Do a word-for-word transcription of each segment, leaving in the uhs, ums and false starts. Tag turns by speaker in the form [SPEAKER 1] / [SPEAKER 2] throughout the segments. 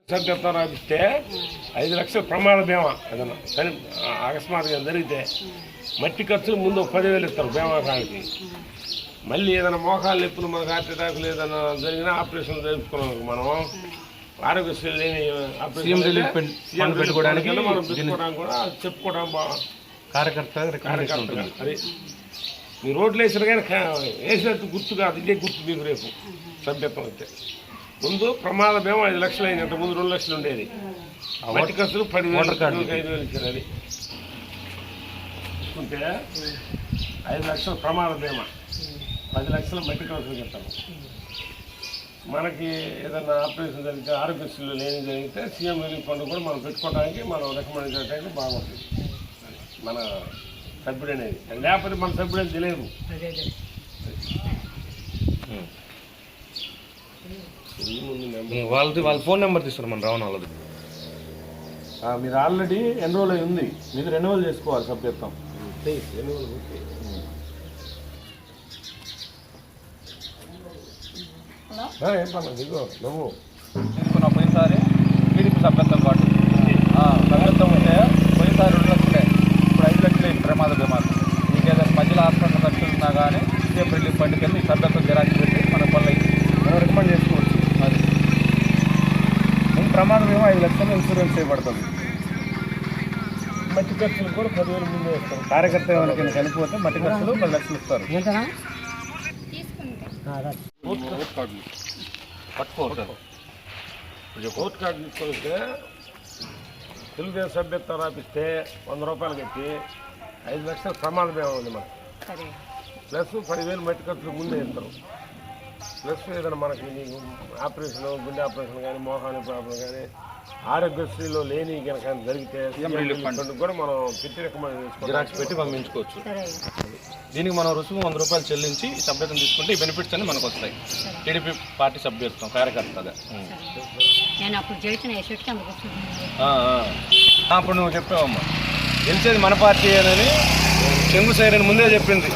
[SPEAKER 1] సభ్యత్వం రాపిస్తే ఐదు లక్షల ప్రమాద బీమా ఏదన్నా కానీ అకస్మాత్తుగా జరిగితే మట్టి ఖర్చులు ముందు పదివేలు ఇస్తారు బీమాకానికి. మళ్ళీ ఏదైనా మోకాలు నొప్పులు మనకు హార్ట్ అటాకులు ఏదైనా జరిగినా ఆపరేషన్ జరుపుకున్నాం మనం ఆరోగ్యశ్రీ లేని ఆపరేషన్ పెట్టుకోవడానికి మనం పెట్టుకోవడానికి కూడా చెప్పుకోవడం బాగా కార్యకర్త కార్యకర్త అది మీ రోడ్లు వేసిన కానీ వేసినట్టు గుర్తు కాదు, ఇదే గుర్తు మీకు రేపు సభ్యత్వం అయితే. ముందు ప్రమాద బీమా ఐదు లక్షలు అయింది, అంత ముందు రెండు లక్షలు ఉండేది. మట్టి ఖర్చులు పదివేలు ఐదు వేలు ఇచ్చారు. అది చూసుకుంటే ఐదు లక్షల ప్రమాద బీమా, పది లక్షలు మట్టి ఖర్చులు చెప్తాము. మనకి ఏదైనా ఆపరేషన్ జరిగితే ఆరోగ్యశ్రీలో లేని జరిగితే సీఎం రిలీఫ్ ఫండ్ కూడా మనం పెట్టుకోవడానికి మనం రికమెండ్ చేయడానికి బాగుంటుంది మన సభ్యుడు అనేది. లేకపోతే మన సభ్యుడు అని తెలియదు.
[SPEAKER 2] వాళ్ళది వాళ్ళ ఫోన్ నెంబర్ తీసుకున్నారు మన రావణ వాళ్ళది.
[SPEAKER 1] మీరు ఆల్రెడీ ఎన్రోల్ అయి ఉంది,
[SPEAKER 2] మీరు రెన్యువల్ చేసుకోవాలి సభ్యత్వం.
[SPEAKER 1] ఎన్రోల్ ఏం పర్లేదు, ఇగో నువ్వు
[SPEAKER 3] తీసుకున్న పోయినసారి టీడీపీ సభ్యత్వం కార్డు సభ్యత్వం ఉంటే పోయినసారి రెండు లక్షలే, ఇప్పుడు ఐదు లక్షలే ప్రమాద బీమా. మీకు ఏదైనా మధ్యలో హాస్పిటల్ ఖర్చులు ఉన్నా కానీ సీఎం రిలీఫ్ ఫండ్కి వెళ్ళి సభ్యత్వం జిరాక్స్ పెట్టి మన పనులు మనం రికమెండ్ చేసుకోవచ్చు. అది ముందు ప్రమాద బీమా ఐదు లక్షలు ఇన్సూరెన్స్ చేయబడుతుంది.
[SPEAKER 1] మట్టి ఖర్చులు కూడా పదివేలు ముందు వేస్తారు.
[SPEAKER 3] కార్యకర్త ఎవరికైనా చనిపోతే మట్టి ఖర్చులు పది లక్షలు ఇస్తారు.
[SPEAKER 1] ఓట్ కార్డులు పట్టుకోవచ్చు. ఓట్ కార్డు తీసుకొస్తే తెలుగుదేశం సభ్యత్వం రాపిస్తే వంద రూపాయలు కట్టి ఐదు లక్షల ప్రమాద బీమా ఉంది మనకు. ప్లస్ పదివేలు మట్టి ఖర్చులు ముందే ఇస్తారు. ప్లస్ ఏదైనా మనకి ఆపరేషన్, గుండె ఆపరేషన్ కానీ, మోహాని ప్రాబ్లం కానీ, ఆరోగ్యశ్రీలో లేని కనుక జరిగితే కూడా మనం పెట్టి రికమెండ్ చేసుకోవాలి,
[SPEAKER 2] జిరాక్స్ పెట్టి పంపించుకోవచ్చు. దీనికి మనం రుసుము వంద రూపాయలు చెల్లించి ఈ సభ్యత్వం తీసుకుంటే ఈ బెనిఫిట్స్ అన్ని మనకు వస్తాయి. టీడీపీ పార్టీ సభ్యత్వం కార్యకర్తగా అప్పుడు నువ్వు చెప్పావమ్మా గెలిచేది మన పార్టీ అని చెంగు సైరని ముందే చెప్పింది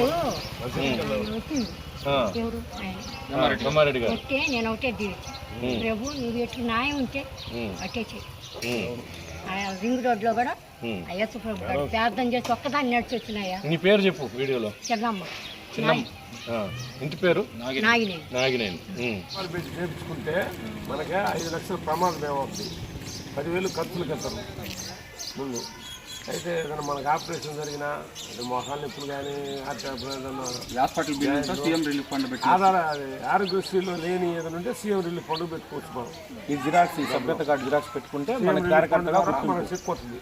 [SPEAKER 2] బ్రహ్మారెడ్డి గారు.
[SPEAKER 4] నేను ఒకటే దీవించా, ప్రభు నువ్వు ఎట్లు న్యాయం ఉంటే అట్టే చెయ్యి. రింగ్ రోడ్లో కూడా అయ్యప్ప ప్రభు గారు ప్రార్థన చేసి ఒక్కదాన్ని నడిచి వచ్చినాయా.
[SPEAKER 2] నీ పేరు చెప్పు వీడియోలో.
[SPEAKER 4] చిన్నమ్మ.
[SPEAKER 2] చిన్నమ్మ ఇంటి పేరు
[SPEAKER 4] నాగినేని.
[SPEAKER 2] నాగినేని.
[SPEAKER 1] చేయించుకుంటే మనకి ఐదు లక్షల ప్రమాద బీమా అవుతుంది. పదివేలు ఖర్చులు కట్టారు ముందు. అయితే ఏదైనా మనకు ఆపరేషన్ జరిగినా మొహాలు నొప్పులు కానీ
[SPEAKER 3] hospital bill CM relief fund పెట్టి
[SPEAKER 1] ఆధార ఆరోగ్యశ్రీలో లేని ఏదైనా ఉంటే సీఎం రిలీఫ్ ఫండ్ పెట్టుకోవచ్చు. మనం
[SPEAKER 3] ఈ జిరాక్స్ ఈ సభ్యత కార్డు జిరాక్స్ పెట్టుకుంటే మన కార్యకర్తగా
[SPEAKER 1] మనకు చెప్పుకోతుంది.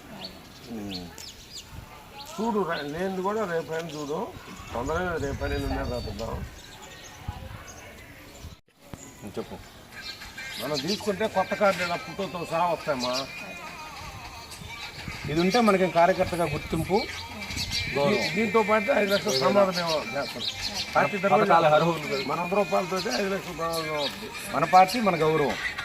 [SPEAKER 1] చూడు లేనిది కూడా రేపైనా చూడు, తొందరగా రేపైనా ఉండే రాపిద్దాం.
[SPEAKER 2] చెప్పు.
[SPEAKER 1] మనం తీసుకుంటే కొత్త కార్డు ఫోటోతో సహా వస్తాయమ్మా.
[SPEAKER 2] ఇది ఉంటే మనకి కార్యకర్తగా గుర్తింపు,
[SPEAKER 1] దీంతో పాటు ఐదు లక్షల ప్రమాద బీమా చేస్తారు. పార్టీ తరఫున మన వంద రూపాయలతో ఐదు లక్షల ప్రమాద బీమా అవుతుంది.
[SPEAKER 2] మన పార్టీ మన గౌరవం.